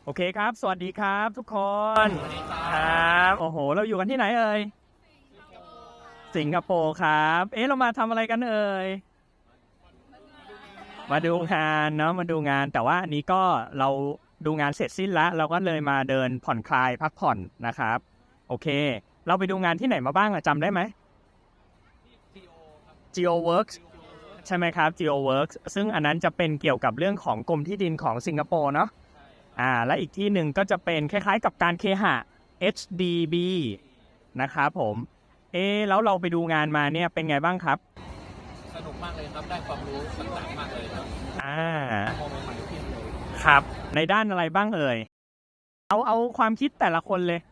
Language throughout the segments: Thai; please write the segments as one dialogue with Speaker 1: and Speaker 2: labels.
Speaker 1: โอเคครับสวัสดีครับทุกคนครับโอ้โหเราอยู่กันที่ไหนเอ่ยสิงคโปร์ครับเรามาทำอะไรกันเอ่ยมาดูงานเนาะมาดูงานแต่ว่าอันนี้ก็เราดูงานเสร็จสิ้นแล้วเราก็เลยมาเดินผ่อนคลายพักผ่อนนะครับโอเคเราไปดูงานที่ไหนมาบ้างจำได้ไหม GeoWorks ใช่ไหมครับ GeoWorks ซึ่งอันนั้นจะเป็นเกี่ยวกับเรื่องของกรมที่ดินของสิงคโปร์เนาะและอีกที่หนึ่งก็จะเป็นคล้ายๆกับการเคหะ HDB นะครับผมแล้วเราไปดูงานมาเนี่ยเป็นไงบ้างครับ
Speaker 2: สนุกมากเลยครับได้ความรู้ต่างๆมากเลยครับมองใหม่ๆขึ้นเลย
Speaker 1: ครับในด้านอะไรบ้างเอ่ยเอาความคิดแต่ละคนเลย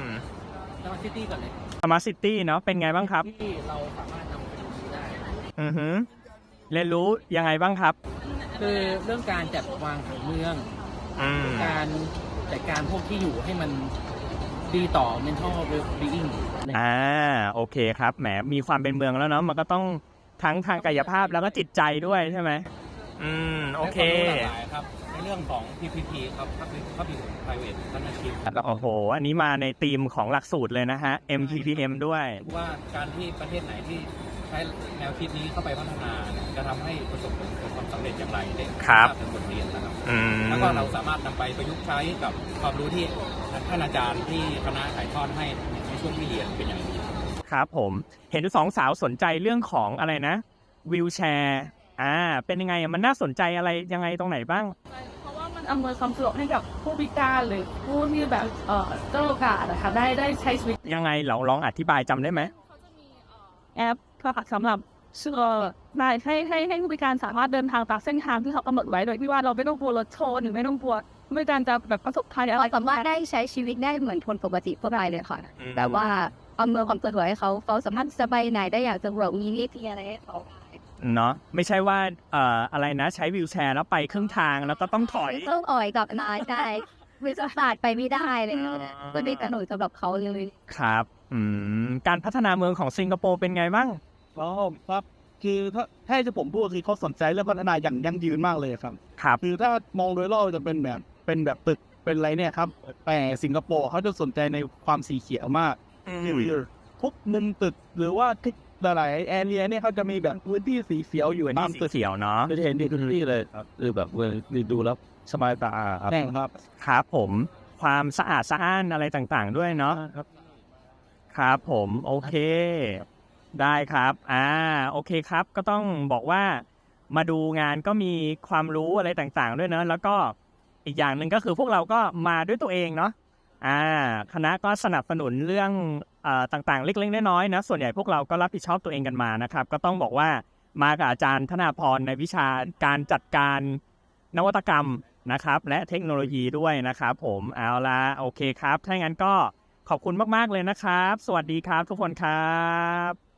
Speaker 2: Smart City ก่อนเลย
Speaker 1: Smart City เนาะเป็นไงบ้างครับ
Speaker 2: ที่เราสามารถนำไปดูได้
Speaker 1: เรียนรู้ยังไงบ้างครับ
Speaker 2: คือเรื่องการจัดวางผังเมืองการจัดการพวกที่อยู่ให้มันดีต่อ mental well-being
Speaker 1: โอเคครับแหมมีความเป็นเมืองแล้วเนาะมันก็ต้องทั้งทางกายภาพแล้วก็จิตใจด้วยใช่ไหมโอเค
Speaker 2: ครับในเรื่องของ PPP ครับ Public Private Partnership
Speaker 1: โอ้โหอันนี้มาในธีมของหลักสูตรเลยนะฮะ MPPM ด้วย
Speaker 2: ว่าการที่ประเทศไหนที่ใช้แนวคิดนี้เข้าไปพัฒนาจะทำให้ประสบความสำเร็จอย่างไรได้เป็นบทเรียนนะครับแล้วก็เราสามารถนำไปประยุกต์ใช้กับความรู้ที่ท่านอาจารย์ที่คณะถ่ายทอดให้ในช่วงที่เรียนเป็นอย่างดี
Speaker 1: ครับผมเห็นสองสาวสนใจเรื่องของอะไรนะวีลแชร์เป็นยังไงมันน่าสนใจอะไรยังไงตรงไหนบ้าง
Speaker 3: เพราะว่ามันอำนวยความสะดวกให้กับผู้พิการหรือผู้ที่แบบเจ้าโอกาสนะคะได้ใช้ชีวิต
Speaker 1: ยังไงเราลองอธิบายจำได้ไหม
Speaker 3: เขาจะมีแอปค่ะสำหรับให้ผู้พิการสามารถเดินทางตามเส้นทางที่เขากำหนดไว้โดยที่ว่าเราไม่ต้องกลัวรถชนหรือไม่ต้องกลัวผู้พิการจะแบบประสบภัยอะไร
Speaker 4: สามารถได้ใช้ชีวิตได้เหมือนคนปกติทั่วไปเลยค่ะแต่ว่าอำนวยความสะดวกให้เขาสามารถจะไปไหนได้อย่างสะดวกมีวิธีอะไรให้เขา
Speaker 1: เนาะไม่ใช่ว่าอะไรนะใช้วีลแชร์แล้วไปครึ่งทางแล้วก็ต้องถอย
Speaker 4: กับนายได้วิศวศาสตร์ไปไม่ได้เลยก็ได้แต่หน่วยสำหรับเขาเลย
Speaker 1: ครับการพัฒนาเมืองของสิงคโปร์เป็นไงบ้าง
Speaker 5: ครับคือถ้าจะผมพูดคือเขาสนใจเรื่องพัฒนาอย่างยั่งยืนมากเลยครับคือถ้ามองโดยรอบจะเป็นแบบตึกเป็นอะไรเนี่ยครับแต่สิงคโปร์เขาจะสนใจในความสีเขียวมากทุกมุมตึกหรือว่าที่หลายแอเรียเนี่ยเขาจะมีแบบพื้นที่สีเขียวอยู่ตามตึก
Speaker 1: เขียวเนาะ
Speaker 5: จะเห็นดีที่เลยครับคือแบบดูแล้วสบายตาครับ
Speaker 1: ครับผมความสะอาดสะอ้านอะไรต่างๆด้วยเนาะครับผมโอเคได้ครับโอเคครับก็ต้องบอกว่ามาดูงานก็มีความรู้อะไรต่างๆด้วยเนาะแล้วก็อีกอย่างหนึ่งก็คือพวกเราก็มาด้วยตัวเองเนาะคณะก็สนับสนุนเรื่องต่างๆเล็กๆน้อยๆนะส่วนใหญ่พวกเราก็รับผิดชอบตัวเองกันมานะครับก็ต้องบอกว่ามากับอาจารย์ธนาพรในวิชาการจัดการนวัตกรรมนะครับและเทคโนโลยีด้วยนะครับผมเอาละโอเคครับถ้างั้นก็ขอบคุณมากๆเลยนะครับสวัสดีครับทุกคนครับ